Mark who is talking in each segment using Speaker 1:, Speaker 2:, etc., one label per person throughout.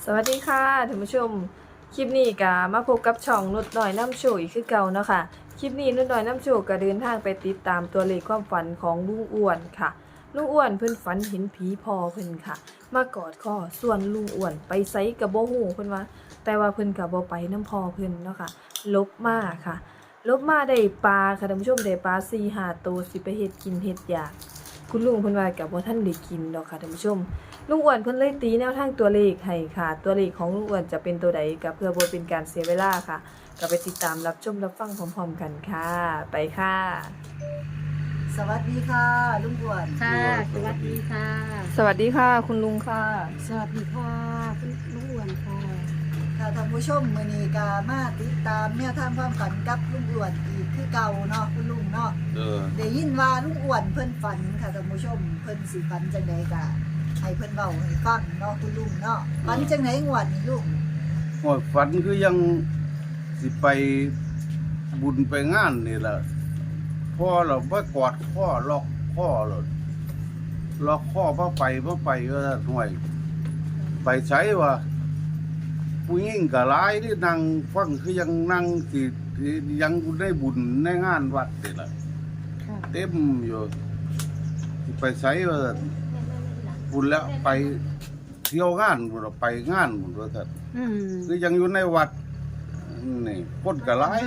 Speaker 1: สวัสดีค่ะท่านผู้ชมคลิปนี้ก็มาพบกับช่องนุชหน่อยน้ำโชว์อีกคือเก่าเนาะค่ะคลิปนี้นุชหน่อยน้ำโชว์ก็เดินทางไปติดตามตัวเลขความฝันของลุงอ้วนค่ะลุงอ้วนเพิ่นฝันเห็นผีพอเพิ่นค่ะมากอดคอส่วนลุงอ้วนไปไสกับบ่ฮู้เพิ่นว่าแต่ว่าเพิ่นก็บ่ไปน้ำพอเพิ่นเนาะค่ะลบมาค่ะลบมาได้ปลาค่ะท่านผู้ชมได้ปลา4-5 ตัวสิไปเฮ็ดกินเฮ็ดอยากคุณลุงเพิ่นว่าก็บ่ทันได้กินดอกค่ะท่านผู้ชม ลุงอ้วนเพิ่นเลยตีแนวทางตัวเลขให้ค่ะตัวเลขของลุงอ้วนจะเป็นตัวใดก็เพื่อบ่เป็นการเสียเวลาค่ะก็ไปติดตามรับชมรับฟังพร้อมๆกันค่ะไปค่ะ
Speaker 2: สวัสดีค่ะลุงอ้วน
Speaker 3: ค่ะ สวัสดีค่ะ
Speaker 1: สวัสดีค่ะคุณลุงค่ะ
Speaker 3: สวัสดีค่ะคุณลุงอ้วนค่ะ
Speaker 2: ค่ะท่านผู้ชมมื้อนี้ก็มาติดตามแนวทางความฝันกับลุงอ้วนอีกคือเก่าเนาะคุณลุงเนาะได้ยินว่าลุงอ้วนเพิ่นฝันค่ะท่านผู้ชมเพิ่นสิฝันจังไดก็ให้เพิ่นเว้าให้ฟังเนาะคุณลุงเนาะฝันจังไดงวดนี้ลุง
Speaker 4: โอ้ยฝันคือยังสิไปบุญไปงานนี่แหละพ่อเราบ่กอดข้อล็อกข้อเราล็อกข้อบ่ไปก็ห่วย ไปใช้ว่าผู้หญิงก็หลายที่นั่งฟังคือยังนั่งสิยังได้บุญในงานวัดนี่แหละ
Speaker 3: ค่ะ
Speaker 4: เต็มอยู่สิไปใช้ว่าบุญแล้วไปเที่ยวงานบุญไปงานบุญว่าซั่น
Speaker 3: อืม
Speaker 4: คือยังอยู่ในวัดนี่คนก็หลาย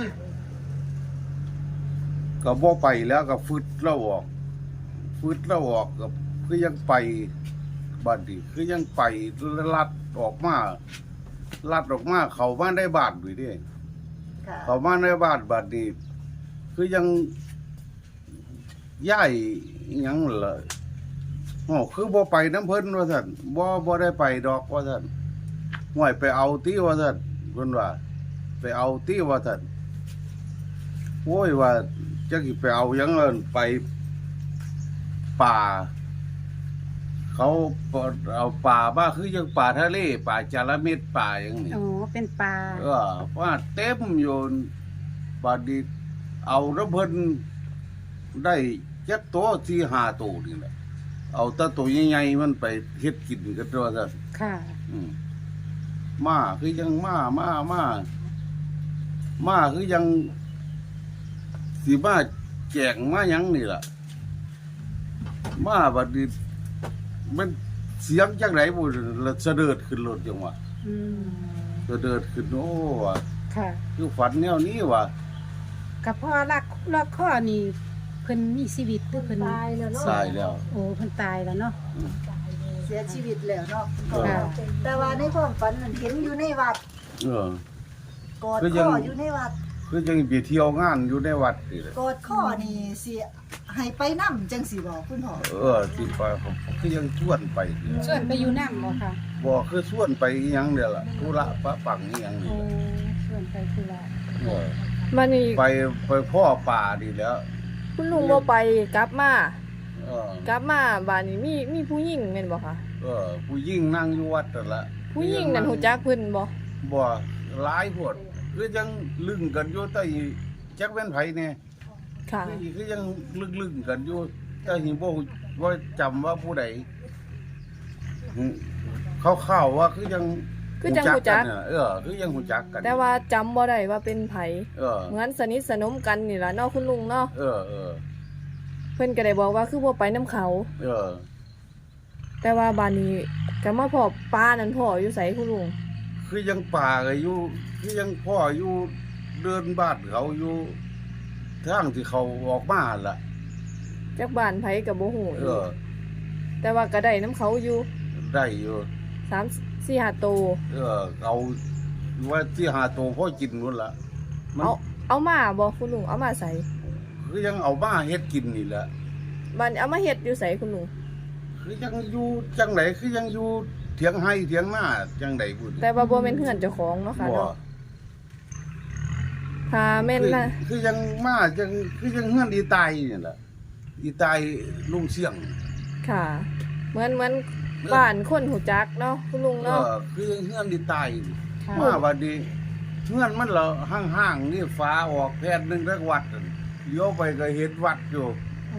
Speaker 4: ก็บ่ไปแล้วก็ฟึดแล้วออกก็คือยังไปบัดนี้คือยังไปลัดออกมาเข้ามาในบ้านด้วยเด้
Speaker 2: ค่ะ
Speaker 4: เข้ามาในบ้านบัดนี้คือยังย้ายอิหยังล่ะอ๋อคือบ่ไปน้ำเพิ่นว่าซั่นบ่ได้ไปดอกว่าซั่นห่วยไปเอาติว่าซั่นเพิ่นว่าไปเอาติว่าซั่นโอ้ยว่าจักสิไปเอาหยังเอิ้นไปป่า เขาเอาป่ามาคือยังป่าทะเลป่าจาระเม็ดป่าอย่างนี้
Speaker 3: โอ้เป็นปลา
Speaker 4: ว่าเต็มอยู่บัดนี้เอาน้ำเพิ่นได้จักตัว4-5ตัวนี่แหละเอาแต่ตัวใหญ่ๆมันไปเฮ็ดกินกันตัวซั่น
Speaker 3: ค่ะ
Speaker 4: มาคือยังมาคือยังสิมาแจกมาหยังนี่ล่ะมาบัดนี้มันเสียงจังไดบ่แล้วเสด็จขึ้นรถจังว่า
Speaker 3: อืม
Speaker 4: เสด็จขึ้นโอ้ว่ะ
Speaker 3: ค่ะ
Speaker 4: คือฝันแนวนี้ว่ะ
Speaker 3: กับพ่อลักข้อนี่เพิ่นมีชีวิตหรือเพิ่น
Speaker 1: ตายแล้วเนาะ
Speaker 4: ตายแล้ว
Speaker 3: โอ้เพิ่นตายแล้วเนาะ
Speaker 2: เสียชีวิตแล้วเนาะ
Speaker 3: ค่ะ
Speaker 2: แต่ว่าในความฝันนั้นเห็นอยู่ในวัด
Speaker 4: เออ
Speaker 2: กอด
Speaker 4: คือยั
Speaker 2: ข้
Speaker 4: ง
Speaker 2: ออยู่ในวัด
Speaker 4: คือยังไปเที่ยวงานอยู่ในวัดนี่แหละ
Speaker 2: กอดข้อนี่สิให้ไปนำจังสิบ่คุณพ่อ
Speaker 4: ที่ไปผมคือยังชวนไปนี่
Speaker 3: ส่วนไปอยู่น้ำบ่ค่ะ
Speaker 4: บ่คือชวนไปอิหยังเด้อล่ะธุระปะปังอิหยังนี่
Speaker 3: โอ้
Speaker 4: แหละ
Speaker 3: ส่วนไปคือละ
Speaker 4: เออ
Speaker 1: มานี่
Speaker 4: ไปพ่อป่านี่แหล้ว
Speaker 1: คุณลุงบ่ไปกลับมา
Speaker 4: เออก
Speaker 1: ลับมาบ้านนี้มีผู้หญิงแม่นบ่คะ
Speaker 4: ผู้หญิงนั่งอยู่วัดนั่นล่ะ
Speaker 1: ผู้หญิงนั่นฮู้จักเพิ่นบ่
Speaker 4: บ่หลายโพดคือยังลึงกันอยู่แต่จักแม่นไผแน่
Speaker 1: ค่ะ
Speaker 4: คือยังลึงกันอยู่แต่หิบ่ว่าจำว่าผู้ใดเข้าๆว่าคือยัง
Speaker 1: คือจังฮู้จัก
Speaker 4: นน่ะคือยังฮู้จักกัน
Speaker 1: แต่ว่าจำบ่ได้ว่าเป็นไผ
Speaker 4: เออ
Speaker 1: เหมือนสนิทสนมกันนี่ล่ะเนาะคุณลุงเนาะ
Speaker 4: เออ
Speaker 1: เพิ่นก็ได้บอกว่าคือบ่ไปน้ำเขา
Speaker 4: เออ
Speaker 1: แต่ว่าบ้านนี้ก็มาพอป้านั่นพ่ออยู่ไสคุณลุง
Speaker 4: คือยังป่าก็อยู่คือยังพ่ออยู่เดินบ้านเขาอยู่ทางที่เขาออกมาล่ะ
Speaker 1: จักบ้านไผก็บ่ฮู้
Speaker 4: เออ
Speaker 1: แต่ว่าก็ได้น้ำเขาอยู่
Speaker 4: ได้อยู่
Speaker 1: 3-4-5ตัว
Speaker 4: เอาว่าที่หาตัวพ่อกินนู่นล่ะมัน
Speaker 1: เอามาบ่คุณลุงเอามาใส่
Speaker 4: คือยังเอามาเฮ็ดกินนี่แหละ
Speaker 1: บ้านเอามาเฮ็ดอยู่ไสคุณลุง
Speaker 4: คือยังอยู่จังไหนคือยังอยู่เถียงให้เถียงหน้าจังไดพูด
Speaker 1: แต่ว่าบ่แม่นเฮือนเจ้าของเนาะค่ะ
Speaker 4: บ่
Speaker 1: เนาะถ้าแม่นนะ
Speaker 4: คือยังมาจังคือยังเฮือนอีตายนี่แหละอีตายลุงเสี่ยง
Speaker 1: ค่ะ เหมือนบ้านคนหูจักเนาะคุณลุงเนาะ
Speaker 4: คือยังเฮือนอีตาย
Speaker 3: ค่ะ
Speaker 4: มาวันนี้เฮือนมันเหรอห่างๆนี่ฟ้าออกแพทย์นึงรักวัดนั่นเลี้ยวไปก็เห็นวัดอยู่
Speaker 3: โอ้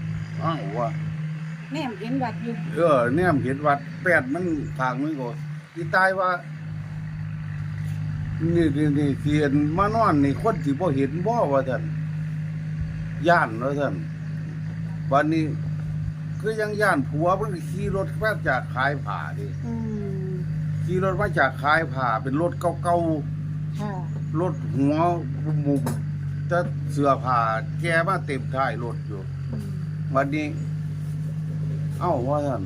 Speaker 4: อ้าวว่า
Speaker 3: แม่เห็นวัดอยู่
Speaker 4: เนี่ยเห็นวัดแปดมันทางนึงก็ที่ตายว่านี่เสียนมานอนนี่คนสิบ่เห็นบ่ว่าท่านย่านว่าท่านวันนี้คือยังย่านผัวมันขี่รถมาจากขายผ้าดิ
Speaker 3: อืม
Speaker 4: ขี่รถมาจากขายผ้าเป็นรถเก่า
Speaker 3: ค่ะ
Speaker 4: ๆรถหัวมุมจะเสื้อผ้าแกมาเต็มท้ายรถอยู่
Speaker 3: อืม
Speaker 4: วันนี้ เอ้าว่าท่าน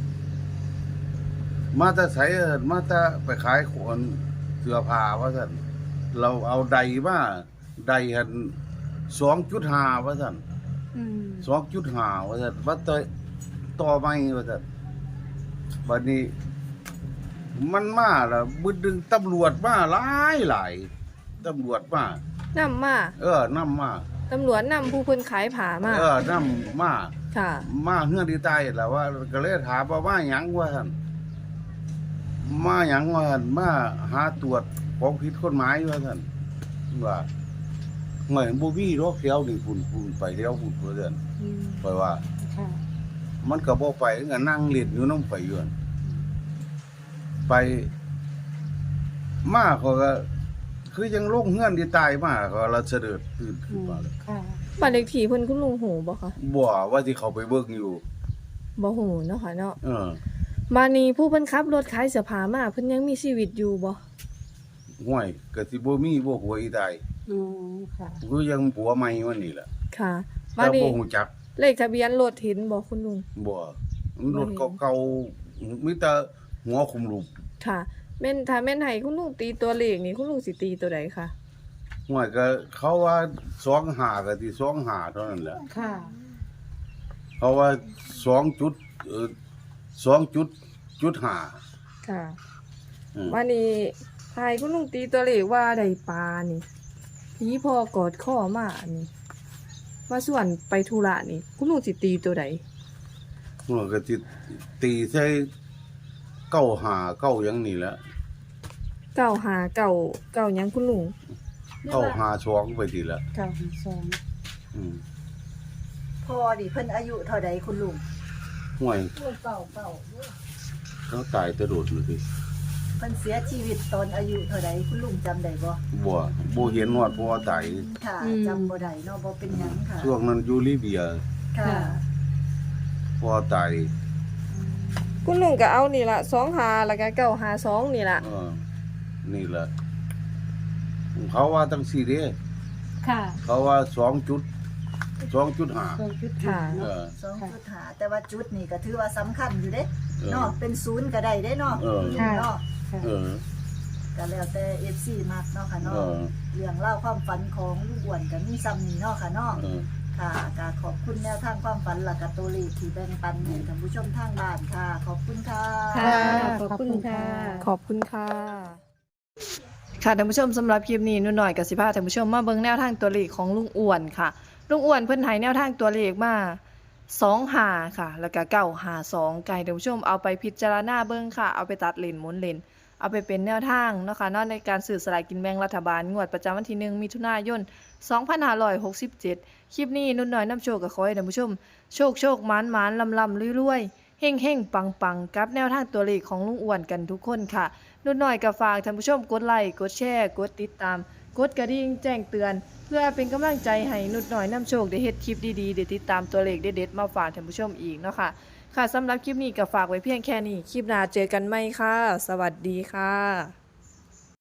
Speaker 4: มาแต่ไสมาแต่ไปขายของเสื้อผ้าว่าท่านเราเอาใดมาใดหัน2.5ว่าท่าน
Speaker 3: อืม
Speaker 4: 2.5ว่าท่านว่าต่อไม่ว่าท่านวันนี้ มันมาแล้วบึดดึงตำรวจมาหลายตำรวจมา
Speaker 1: นำมา
Speaker 4: นำมา
Speaker 1: ตำรวจนำผู้เพิ่นขายผ้ามา
Speaker 4: นำมา
Speaker 1: ค่ะ
Speaker 4: มาเฮือนที่ใต้แหละว่าก็เลยถามว่ามาหยังว่าท่านมาหยังว่าท่านมาหาตรวจของผิดกฎหมายว่าท่านว่าเหมือนบ่มีรถเที่ยวนี่พุ่นไปเที่ยวพุ่นว่าท่าน
Speaker 3: อืม
Speaker 4: ไปว่า
Speaker 3: ค่ะ
Speaker 4: มันก็บ่ไปก็นั่งเล่นอยู่นำไปอยู่นั่นไปมาเขาก็ คือยังลงเฮือนที่ใต้มาก็ละเสด็จตื่น
Speaker 3: อื
Speaker 4: ขึ้น
Speaker 3: ม
Speaker 4: มาเลย
Speaker 3: ค่ะ
Speaker 1: บ้านเลขที่เพิ่นคุณลุงหูบ่คะ
Speaker 4: บ่ว่าที่เขาไปเบิ่งอยู่
Speaker 1: บ่หูเนาะค่ะเนาะ
Speaker 4: เออ
Speaker 1: มานี่ผู้เพิ่นขับรถขายเสื้อผ้ามาเพิ่นยังมีชีวิตอยู่บ่
Speaker 4: ห้วยก็สิบ่มีบ่หัวอีใต้
Speaker 3: อืมค่ะ
Speaker 4: คือยังผัวใหม่วันนี้แหละ
Speaker 1: ค่ะ
Speaker 4: แต่
Speaker 1: มานี่
Speaker 4: บ่ฮู้จัก
Speaker 1: เลขทะเบียนรถเห็นบ่คุณลุง
Speaker 4: บ่รถเก่าๆมีแต่หัวคุมรูป
Speaker 1: ค่ะแม่นถ้าแม่นให้คุณลุงตีตัวเลขนี่คุณลุงสิตีตัวใดคะ
Speaker 4: ห้วยก็เขาว่า25ก็สิ25เท่านั้นแหละ
Speaker 3: ค่ะ
Speaker 4: เขาว่า2จุด2.5
Speaker 1: ค่ะ
Speaker 4: อืม
Speaker 1: มานี่ให้คุณลุงตีตัวเลขว่าได้ปลานี่ผีพอกอดข้อมานี่ว่าส่วนไปธุระนี่คุณลุงสิตีตัวใด
Speaker 4: หัวก็สิตีใส่95 9หยังนี่แหละ
Speaker 1: เก้าหาเก้าเก้าหยังคุณลุง
Speaker 4: 952ไปทีละ
Speaker 3: 952
Speaker 4: อืม
Speaker 2: พอดิเพิ่นอายุเท่าใดคุณลุง
Speaker 4: ห้วย
Speaker 2: เก่า
Speaker 4: เขาตายแต่โดดเลยดิ
Speaker 2: เพิ่นเสียชีวิตตอนอายุเท่าใดคุณลุงจำได้บ่
Speaker 4: บ่เห็นว่าพ่อตาย
Speaker 2: ค่ะจำบ่ได้เนาะบ่เป็นหยังค่ะ
Speaker 4: ช่วงนั้นอยู่ลิเบีย
Speaker 2: ค่ะ
Speaker 4: พ่อตาย
Speaker 1: คุณลุงก็เอานี่ละ2หาแล้วก็952นี่ละ
Speaker 4: นี่แหละเขาว่าตั้งสี่เด้
Speaker 3: ค่ะ
Speaker 4: เขาว่า2.5
Speaker 1: ค่ะ
Speaker 4: เออ
Speaker 2: 2.5แต่ว่าจุดนี่ก็ถือว่าสำคัญอยู่เด้
Speaker 4: เออ
Speaker 2: เนาะเป็นศูนย์ก็ได้เด้เนาะ
Speaker 4: เออ
Speaker 2: คุณลุงเนาะ
Speaker 4: เออ
Speaker 2: ก็แล้วแต่ FC มักเนาะค่ะ
Speaker 4: เอ
Speaker 2: เนาะ
Speaker 4: อ
Speaker 2: เรื่องเล่าวความฝันของลุงอ้วนก็มีซ้ำนี่เนาะค่ะเนาะ
Speaker 4: เออ
Speaker 2: ค่ะก็ขอบคุณแนวทางความฝันหลักกับตัวเลขที่แบ่งปันให้ท่านผู้ชมทางบ้านค่ะ ขอบคุณค่ะ
Speaker 3: ค่ะ ขอบคุณค่ะ
Speaker 1: ขอบคุณค่ะ ค่ะท่านผู้ชมสำหรับคลิปนี้นุ่นหน่อยกับสิพาท่านผู้ชมมาเบิ่งแนวทางตัวเลขของลุงอ้วนค่ะ ลุงอ้วนเพิ่นให้แนวทางตัวเลขมา2หาค่ะ แล้วก็952ไก่ท่านผู้ชมเอาไปพิจารณาเบิ่งค่ะ เอาไปตัดเลนหมุนเลนเอาไปเป็นแนวทางเนาะค่ะเนาะในการซื้อสลากกินแบ่งรัฐบาลงวดประจำวันที่1มิถุนายน2567คลิปนี้นุ่นหน่อยนำโชคก็ขอให้ท่านผู้ชมโชคหมานลำรวยๆเฮ่งปังกับแนวทางตัวเลขของลุงอ้วนกันทุกคนค่ะ นุ่นหน่อยก็ฝากท่านผู้ชมกดไลค์กดแชร์กดติดตามกดกระดิ่งแจ้งเตือน เพื่อเป็นกำลังใจให้นุ่นหน่อยนำโชคได้เฮ็ดคลิปดีๆได้ติดตามตัวเลขเด็ดๆมาฝากท่านผู้ชมอีกเนาะค่ะค่ะสำหรับคลิปนี้ก็ฝากไว้เพียงแค่นี้คลิปหน้าเจอกันใหม่ค่ะ สวัสดีค่ะ